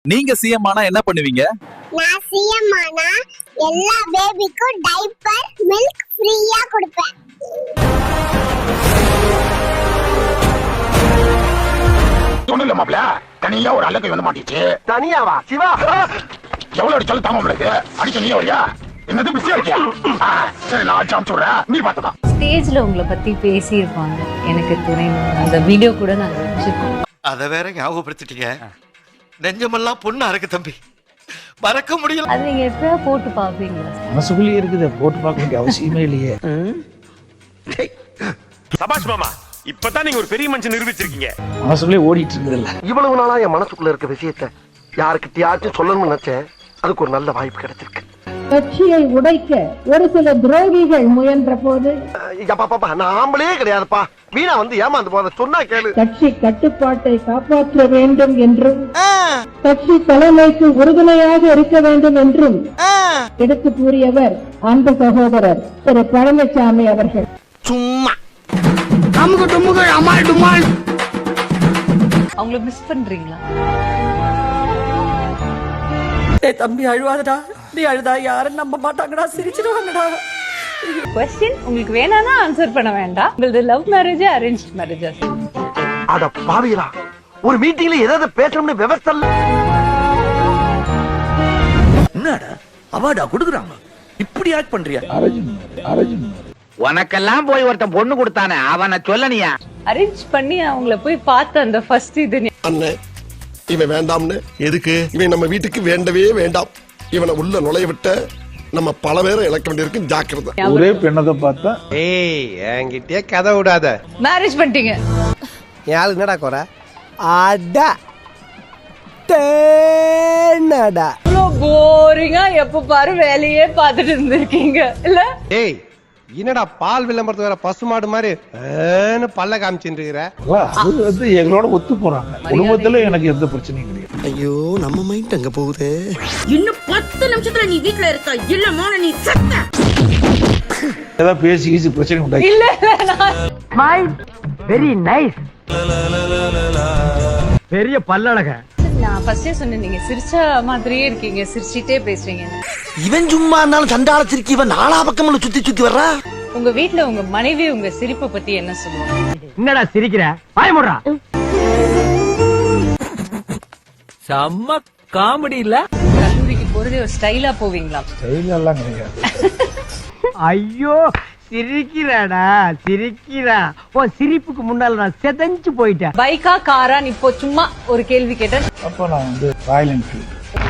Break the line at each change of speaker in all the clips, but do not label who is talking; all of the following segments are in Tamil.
நீங்க சிஎம் ஆனா என்ன பண்ணுவீங்க?
நான் சிஎம் ஆனா எல்லா பேபிக்கும் டைப்பர் மில்க் ஃப்ரீயா கொடுப்பேன்.
சொன்னல மாப்ள தனியா ஒரு அலக்கை வந்து மாட்டிச்சு.
தனியாவா சிவா?
எவ்வளவு அடிச்சாலும் தாங்க உங்களுக்கு. அடிக்க நீ வரியா? என்னது பிஸியா இருக்கியா? சரி நான் அடிச்சு அனுப்பிச்சுடுறேன், நீ பார்த்துக்கோ.
ஸ்டேஜ்ல உங்களை பத்தி பேசியிருப்பாங்க எனக்கு துணை. அந்த வீடியோ கூட நாங்க வச்சிருக்கோம்.
அத வேற ஞாபகப்படுத்திட்டீங்க. நெஞ்சமெல்லாம் பொண்ணா இருக்கு தம்பி, மறக்க முடியல.
அது நீங்க எப்பயா போட்டு பாப்பீங்களா?
மனசுக்குள்ளேயே இருக்குது, போட்டு பார்க்க வேண்டிய அவசியமே இல்லையே.
சபாஷ் மாமா, இப்பதான் நீங்க ஒரு பெரிய மனுஷன் நிரூபிச்சிருக்கீங்க.
மனசுக்குள்ளே ஓடிட்டு இருக்குது இல்ல.
இவ்வளவு நாளா என் மனசுக்குள்ள இருக்க விஷயத்த யாருக்கிட்டயாச்சும் சொல்லணும்னு நினைச்சேன். அதுக்கு ஒரு நல்ல வாய்ப்பு கிடைச்சிருக்கு.
கட்சியை உடைக்க ஒரு சில துரோகிகள் முயன்ற போது
நான் ஆம்பளே கிடையாதுப்பா, வீணா வந்து ஏமாந்து போத சொன்னா கேளு.
கட்சி கட்டுப்பாட்டை காப்பாற்ற வேண்டும் என்றும் கட்சி தலைமைக்கு உறுதுணையாக இருக்க வேண்டும் என்றும் எடுத்து கூறியவர் அன்பு சகோதரர் திரு பழனிசாமி அவர்கள்.
சும்மா
அவங்கள மிஸ் பண்றீங்களா?
தம்பி அழுவாதடா, நீ அழுதா யாரும் நம்ப மாட்டாங்கடா, சிரிச்சிடுவாங்கடா.
क्वेश्चन உங்களுக்கு வேணானா ஆன்சர் பண்ண வேண்டாம். உங்களது லவ் மேரேஜ் அரேஞ்ச்ட் மேரேஜா?
அட பாவிகளா, ஒரு மீட்டிங்ல ஏதாவது பேசணும்னு விவசாய இல்ல.
என்னடா அவார்டா குடுக்குறாங்க, இப்படி ஆக்ட் பண்றியா?
அரஜுன்
உனக்கெல்லாம் போய் ஒருத்தன் பொண்ணு கொடுத்தானே, அவனை சொல்லனியா?
அரேஞ்ச் பண்ணி அவங்கள போய் பார்த்த அந்த ஃபர்ஸ்ட் இது.
அண்ணே இவன் வேண்டாம்னு. எதுக்கு? இவன் நம்ம வீட்டுக்கு வேண்டவே வேண்டாம். இவனை உள்ள நுழைய விட்ட நம்ம பல பேரை இழக்க வேண்டியிருக்கு, ஜாக்கிரதை.
ஒரே பெண்ணதை பார்த்தா
என்கிட்டயே கதை விடாத.
மேரேஜ் பண்ணிட்டீங்க.
யாரு என்னடா குறை? அடா தேனடா.
போரிங்கா எப்ப பாரு வேலையே பார்த்துட்டு இருந்திருக்கீங்க இல்ல?
ஏய் என்னடா பால் விளம்பரத்து வேற பசுமாடு மாதிரி பல்ல காமிச்சுட்டு இருக்கிற?
அது வந்து எங்களோட ஒத்து போறாங்க. குடும்பத்துல எனக்கு எந்த பிரச்சனையும் கிடையாது.
ஐயோ நம்ம மைண்ட் அங்க போகுது.
இன்னும் 10 நிமிஷத்துல நீ வீட்ல இருக்க இல்ல மோன நீ செத்த.
ஏதாவது பேசி பிரச்சனை உண்டாக்கி
இல்ல
மைண்ட் வெரி நைஸ். பெரிய பல்லழக.
நான் ஃபர்ஸ்டே சொன்னேன், நீங்க சிரிச்ச மாதிரியே இருக்கீங்க, சிரிச்சிட்டே பேசுறீங்க.
இவன் சும்மா இருந்தாலும் சண்டால சிரிக்கி இவன் நாலா பக்கம்ல சுத்தி சுத்தி வர்றா.
உங்க வீட்ல உங்க மனைவி உங்க சிரிப்பை பத்தி என்ன சொல்லுவாங்க?
என்னடா சிரிக்கிற? வாய மூடுடா.
செம்ம காமெடி இல்ல?
கல்லூரிக்கு போறதே ஒரு ஸ்டைலா போவீங்களா?
ஸ்டைல் எல்லாம் கிடையாது.
ஐயோ சிரிக்கிறாடா சிரிக்கிறா. உன் சிரிப்புக்கு முன்னால நான் செதஞ்சு போயிட்டேன்.
பைக்கா காரா? இப்போ சும்மா ஒரு கேள்வி கேட்டேன்.
அப்ப நான் வந்து ராயல் என்ஃபீல்டு.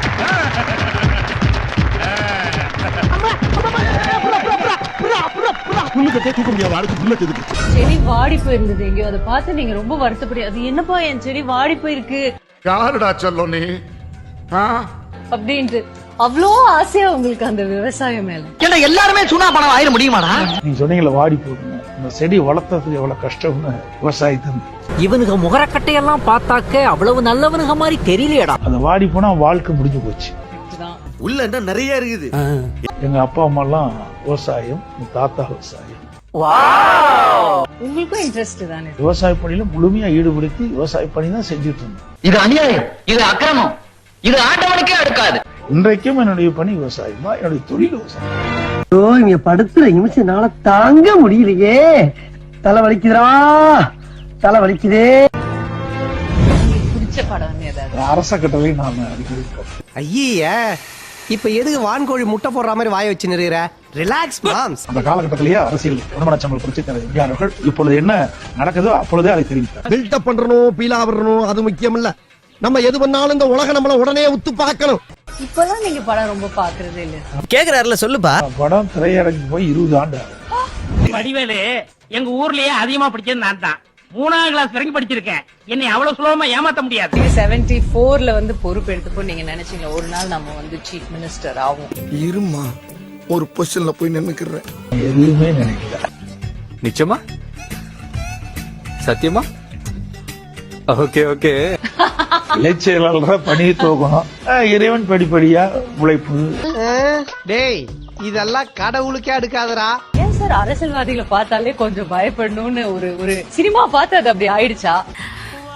செடி வாடி போயிருந்தது எங்கேயோ, அதை பார்த்து நீங்க ரொம்ப வருத்தப்படி, அது என்னப்பா என் செடி வாடி போயிருக்கு
யாருடா சொல்லும் நீ?
அப்படின்ட்டு அவ்வளோ ஆசையா உங்களுக்கு அந்த விவசாயம் மேல.
ஏன்னா எல்லாருமே சுனா பணம் ஆயிட முடியுமாடா?
நீங்க சொன்னீங்களா வாடி போகணும், இந்த செடி வளர்த்ததுக்கு எவ்வளவு கஷ்டம்னு விவசாயத்தை.
இவனுக்கு முகரக்கட்டையெல்லாம் பார்த்தாக்க அவ்வளவு நல்லவனுங்க மாதிரி தெரியலையடா.
அது வாடி போனா வாழ்க்கை முடிஞ்சு போச்சு.
உள்ள என்ன நிறைய இருக்குது.
எங்க அப்பா அம்மா எல்லாம் விவசாயம், எங்க தாத்தா விவசாயம்.
உங்களுக்கும் இன்ட்ரெஸ்ட் தானே?
விவசாய பணியில முழுமையா ஈடுபடுத்தி விவசாய பணி தான் செஞ்சுட்டு இருந்தோம்.
இது அநியாயம், இது அக்கிரமம், இது ஆண்டவனுக்கே அடுக்காது.
இன்றைக்கும் என்னுடைய பணி விவசாயம் தான், என்னுடைய தொழில் விவசாயம்.
இங்க படுத்துற நிமிஷம்னால தாங்க முடியலையே. தலை வலிக்குதுடா, தலை வலிக்குதே.
பிடிச்ச படம் ஏதாவது?
அரச கட்டளை நாம அடிக்கடி பார்ப்போம்.
ஐய இப்ப எதுக்கு வான்கோழி முட்டை போடுற மாதிரி வாய வச்சு நிறுகிற? Relax moms.
அந்த காலகட்டத்திலேயே அரசியல் உடம்படச்சம்பல் புரட்சித்தலைவர் எம்ஜிஆர் அவர்கள் இப்பொழுது என்ன நடக்குதோ அப்பொழுதே அதை தெரிவித்தார்.
பில்டப் பண்றணும், பீலா வரணும், அது முக்கியம் இல்ல. நம்ம எது பண்ணாலும் இந்த உலகம் நம்மள உடனே உத்து பார்க்கணும்.
இப்பதான் நீங்க படம் ரொம்ப பாக்குறதே இல்ல.
கேக்குறாருல சொல்லுப்பா.
படம் திரையரங்கு போய் 20 ஆண்டு ஆகும்.
வடிவேலு எங்க ஊர்லயே அதிகமா படிச்சது நான் தான். 3ஆம் கிளாஸ் வரைக்கும் படிச்சிருக்கேன். என்னை அவ்வளவு சுலபமா ஏமாத்த முடியாது.
74ல வந்து பொறுப்பு எடுத்தப்போ நீங்க நினைச்சீங்க ஒரு நாள் நம்ம வந்து சீஃப் மினிஸ்டர் ஆகும்?
இருமா ஒரு பொசிஷன்ல போய் நின்னுக்கிறேன்.
எதுவுமே நினைக்கல.
நிச்சயமா? சத்தியமா? Okay okay.
இளைச்செயலாளர் பணி தோக்கணும், இறைவன் படிப்படியா உழைப்பு.
டேய் இதெல்லாம் கடவுளுக்கே அடுக்காதரா.
ஏன் சார் அரசியல்வாதிகளை பார்த்தாலே கொஞ்சம் பயப்படணும்னு ஒரு சினிமா பார்த்து அது அப்படி ஆயிடுச்சா?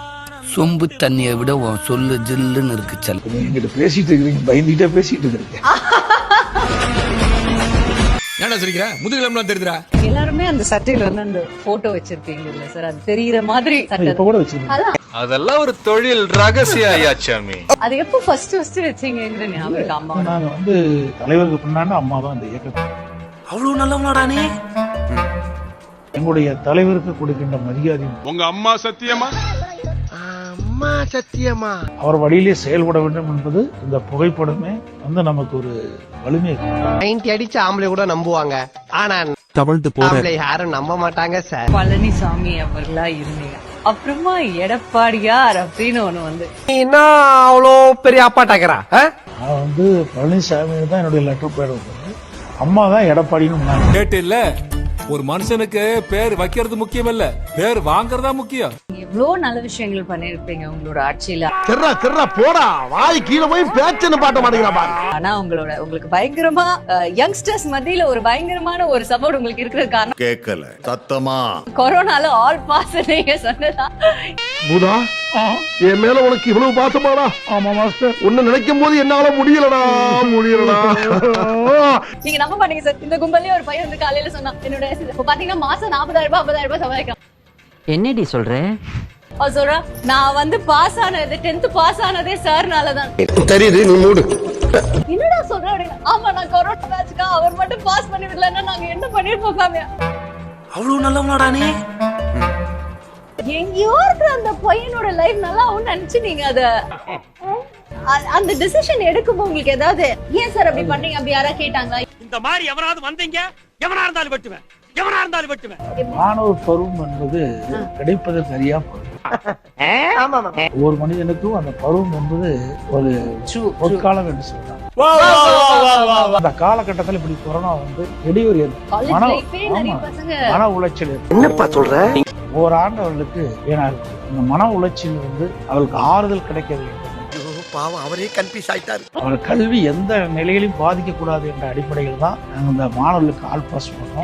சொம்பு தண்ணியை விட உன் சொல்லு ஜில்லுன்னு இருக்கு செல்ல.
நீங்க என்கிட்ட பேசிட்டு இருக்கிறீங்க, பயந்துகிட்டே பேசிட்டு இருக்கிறீங்க.
என்ன சொல்லிக்கிற முதுகிழம்புலாம் தெரியுதுடா.
எல்லாருமே அந்த சட்டையில வந்து அந்த போட்டோ வச்சிருப்பீங்க இல்ல சார், அது தெரியுற மாதிரி சட்டை.
இப்ப கூட வச்சிருக்கீங்க.
அதெல்லாம் ஒரு தொழில் ரகசிய ஐயாச்சாமி.
அது எப்போ ஃபர்ஸ்ட் வச்சீங்கங்கிற ஞாபகம் இருக்கு அம்மா?
நாங்க வந்து தலைவருக்கு பின்னாடி அம்மா தான் இந்த இயக்கம்.
அவ்வளவு நல்லவனாடா நீ.
எங்களுடைய தலைவருக்கு கொடுக்கின்ற மரியாதை,
உங்க அம்மா சத்தியமா?
அம்மா சத்தியமா?
அவர் வழியிலே செயல்பட வேண்டும் என்பது இந்த புகைப்படமே வந்து நமக்கு ஒரு வலிமை.
90 அடிச்ச ஆம்பளை கூட நம்புவாங்க, ஆனா
தவழ்ந்து
ஆம்பளை யாரும் நம்ப மாட்டாங்க சார்.
பழனிசாமி அவர்களா இருந்தீங்க, அப்புறமா எடப்பாடியார் அப்படின்னு ஒண்ணு வந்து
என்ன அவ்வளோ பெரிய அப்பாட்டாக்கிறா?
நான் வந்து பழனிசாமி தான் என்னுடைய லெட்டர் பேர் வந்து, அம்மா தான் எடப்பாடின்னு
கேட்டு இல்ல. ஒரு மனுஷனுக்கு பேர் வைக்கிறது முக்கியம் இல்ல, பேர் வாங்குறதா முக்கியம்.
எவ்வளவு நல்ல விஷயங்கள் பண்ணிருப்பீங்க உங்களோட ஆட்சியில.
தெர்றா போடா, வாய் கீழே போய் பேச்சுன்னு பாட்ட மாட்டேங்கிறா.
ஆனா உங்களுக்கு பயங்கரமா யங்ஸ்டர்ஸ் மத்தியில ஒரு பயங்கரமான ஒரு சப்போர்ட் உங்களுக்கு இருக்கிறது காரணம்
கேட்கல சத்தமா
கொரோனால ஆல் பாஸ் நீங்க சொன்னதா.
பூதா, என் மேல உனக்கு இவ்வளவு பாசமாடா?
ஆமா மாஸ்டர்.
உன்னை நினைக்கும் போது என்னால முடியலடா.
நீங்க நம்ப மாட்டீங்க சார், இந்த கும்பல்ல ஒரு பையன் வந்து காலையில சொன்னா என்னோட இப்ப பாத்தீங்கன்னா மாசம் 40,000 50,000 சம்பாதிக்கலாம்.
என்னடி சொல்ற?
அவர் சொல்றா, நான் வந்து பாஸ் ஆனது 10th பாஸ் ஆனதே சார்னாலதான்.
தெரியுது, நீ மூடு.
என்னடா சொல்ற அப்படின்னு. ஆமா, நான் கொரோனா பேட்ச்க்கா அவர் மட்டும் பாஸ் பண்ணி விடலன்னா நாங்க என்ன பண்ணிருப்போம் காமியா.
அவ்வளவு நல்லவனாடா நீ.
எங்கேயோ இருக்கிற அந்த பையனோட லைஃப் நல்லா ஆகும்னு நினைச்சு நீங்க அந்த டிசிஷன் எடுக்கும்போது உங்களுக்கு ஏதாவது ஏன் சார் அப்படி பண்றீங்க அப்படி யாரா கேட்டாங்களா?
இந்த மாதிரி எவனாவது வந்தீங்க, எவனா இருந்தாலும் வெட்டுவேன், எவனா இருந்தாலும் வெட்டுவேன்.
மாணவர் பருவம் என்பது கிடைப்பதற்கு அறியா பருவம். ஒரு மனிதனுக்கும் அந்த பருவம் என்பது ஒரு பொற்காலம் என்று சொல்றாங்க. அந்த காலகட்டத்தில் இப்படி கொரோனா வந்து இடையூறு மன உளைச்சல்.
என்னப்பா சொல்ற?
ஓராண்டு அவர்களுக்கு ஏன்னா இந்த மன உளைச்சல் வந்து அவர்களுக்கு ஆறுதல் கிடைக்கவில்லை.
பாவம், அவரே கன்ஃபியூஸ் ஆயிட்டாரு.
அவர் கல்வி எந்த நிலையிலும் பாதிக்க கூடாது என்ற அடிப்படையில் தான் நாங்கள் இந்த மாணவர்களுக்கு ஆல் பாஸ் பண்ணோம்.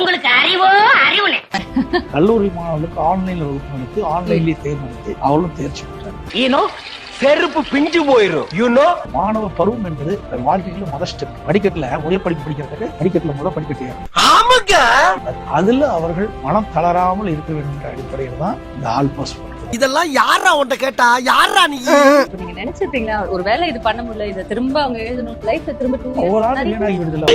கல்லூரி மாணவர்களுக்கு ஆன்லைன்ல வகுப்பு நடத்தி ஆன்லைன்லயே தேர்ந்தெடுத்து அவர்களும் தேர்ச்சி பெற்றாங்க.
செருப்பு பிஞ்சு போயிரும்.
மாணவ பருவம் என்பது வாழ்க்கையில முதல் ஸ்டெப். படிக்கட்டுல முதல் படிப்பு படிக்கிறதுக்கு படிக்கட்டுல முதல் படிக்கட்டு. அதுல அவர்கள் மனம் தளராமல் இருக்க வேண்டும் என்ற அடிப்படையில் தான் இந்த ஆல் பாஸ் பண்றோம்.
இதெல்லாம் யாரா உன்கிட்ட கேட்டா? யாரா நீ?
நீங்க நினைச்சிருப்பீங்களா ஒருவேளை இது பண்ண முடியல, இதை திரும்ப அவங்க எழுதணும், லைஃப்ல திரும்ப
ஒரு ஆள் வீணாகி விடுதல.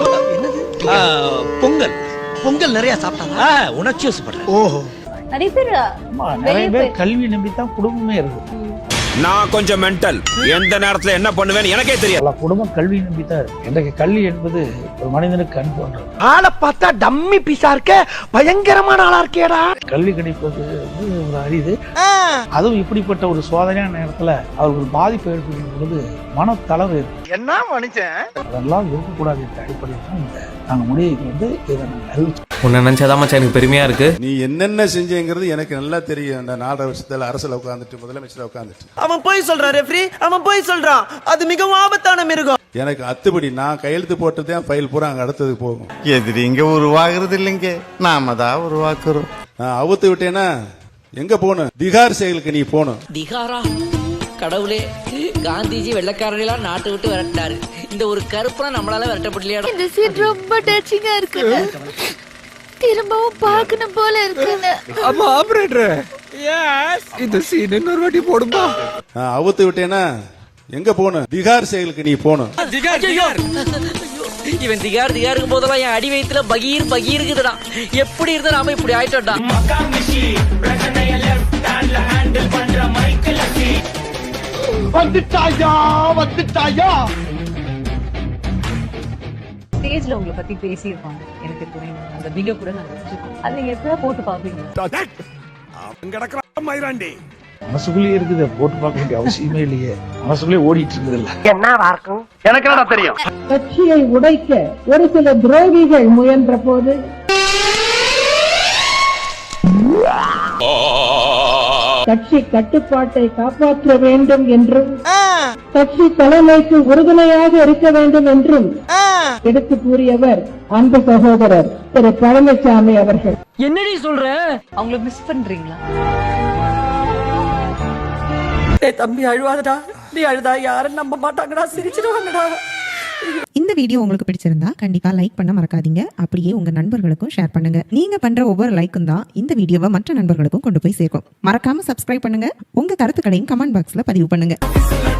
பொங்கல் நிறைய சாப்பிட்டாங்க, உணர்ச்சி வசப்படுறேன். ஓஹோ,
நிறைய பேர்
கல்வி நம்பித்தான் குடும்பமே இருக்கு.
நான் கொஞ்சம் மென்டல், எந்த நேரத்துல என்ன பண்ணுவேன்னு எனக்கே தெரியும்.
குடும்பம் கல்வி நம்பித்தான் இருக்கு. இன்றைக்கு கல்வி என்பது ஒரு மனிதனுக்கு கண் போன்றது.
ஆளை பார்த்தா டம்மி பீஸா இருக்க, பயங்கரமான ஆளா இருக்கேடா.
கல்வி கிடைப்பது வந்து ஒரு அரிது. அதுவும் இப்படிப்பட்ட ஒரு சோதனையான நேரத்துல அவர்கள் பாதிப்பு ஏற்படும் பொழுது மனத்தளவு
என்ன மனுஷன்,
அதெல்லாம் இருக்கக்கூடாது என்ற அடிப்படையில் தான் நாங்க முடிவுக்கு வந்து இதை நாங்கள் அறிவிச்சோம்.
உன்னை நினைச்சாதான் மச்சான் எனக்கு பெருமையா இருக்கு.
நீ என்னென்ன செஞ்சேங்கிறது எனக்கு நல்லா தெரியும். அந்த 4 வருஷத்துல அரசுல உட்காந்துட்டு முதலமைச்சர் உட்காந்துட்டு
அவன் போய் சொல்றான் ரெஃப்ரி, அவன் போய் சொல்றான். அது மிகவும் ஆபத்தான மிருகம்.
எனக்கு அத்துப்படி நான் கையெழுத்து போட்டதே ஃபைல் பூரா அங்க அடுத்தது போகும்.
எதிரிங்க உருவாகிறது இல்லைங்க, நாம தான் உருவாக்குறோம்.
நான் அவுத்து விட்டேன்னா எங்க போகணும்? திகார் செயலுக்கு நீ போகணும்.
திகாரா? கடவுளே, காந்திஜி வெள்ளக்காரர்களெல்லாம் நாட்டை விட்டு விரட்டினாரு. இந்த ஒரு கருப்பா நம்மளால விரட்டப்படலையா?
இந்த சீன் ரொம்ப டச்சிங்கா இருக்குங்க, திரும்பவும் பார்க்கணும் போல இருக்குங்க.
ஆமா ஆபரேட்டர், எஸ் இந்த சீன் இன்னொரு வாட்டி போடுமா?
நான் அவுத்து விட்டேன்னா எங்க போகணும்? திகார் செயலுக்கு நீ போகணும்.
இவன் திகாருக்கு போதெல்லாம் என் அடி வயித்துல பகீருக்குதுடா. எப்படி இருந்தா நாம இப்படி ஆயிட்டோம்டா.
வந்துட்டாயா
ஸ்டேஜ்ல உங்களை பத்தி பேசியிருப்பாங்க, எனக்கு தெரியும். அந்த வீடியோ கூட நான் வச்சிருக்கேன், அது நீங்க எப்படியா போட்டு பாப்பீங்க?
மனசுக்குள்ளேயே இருக்குது, போட்டு பார்க்க வேண்டிய அவசியமே இல்லையே. மனசுக்குள்ளே ஓடிட்டு இருக்குது இல்ல.
என்னவா இருக்கும் எனக்கு என்ன தெரியும்.
கட்சியை உடைக்க ஒரு சில துரோகிகள் முயன்ற போது கட்சி கட்டுப்பாட்டை காப்பாற்ற வேண்டும் என்றும் கட்சி தலைமைக்கு உறுதுணையாக இருக்க வேண்டும் என்றும் எடுத்து கூறியவர் அன்பு சகோதரர் திரு பழனிசாமி அவர்கள்.
என்னடி சொல்ற?
அவங்கள மிஸ் பண்றீங்களா?
தம்பி அழுவாதடா, நீ அழுதா யாரும் நம்ப மாட்டாங்கடா, சிரிச்சிடுவாங்கடா.
இந்த வீடியோ உங்களுக்கு பிடிச்சிருந்தா கண்டிப்பா லைக் பண்ண மறக்காதீங்க. அப்படியே உங்க நண்பர்களுக்கும் ஷேர் பண்ணுங்க. நீங்க பண்ற ஒவ்வொரு லைக்கும் தான் இந்த வீடியோவை மற்ற நண்பர்களுக்கும் கொண்டு போய் சேர்க்கும். மறக்காம சப்ஸ்கிரைப் பண்ணுங்க. உங்க கருத்துக்களையும் கமெண்ட் பாக்ஸ்ல பதிவு பண்ணுங்க.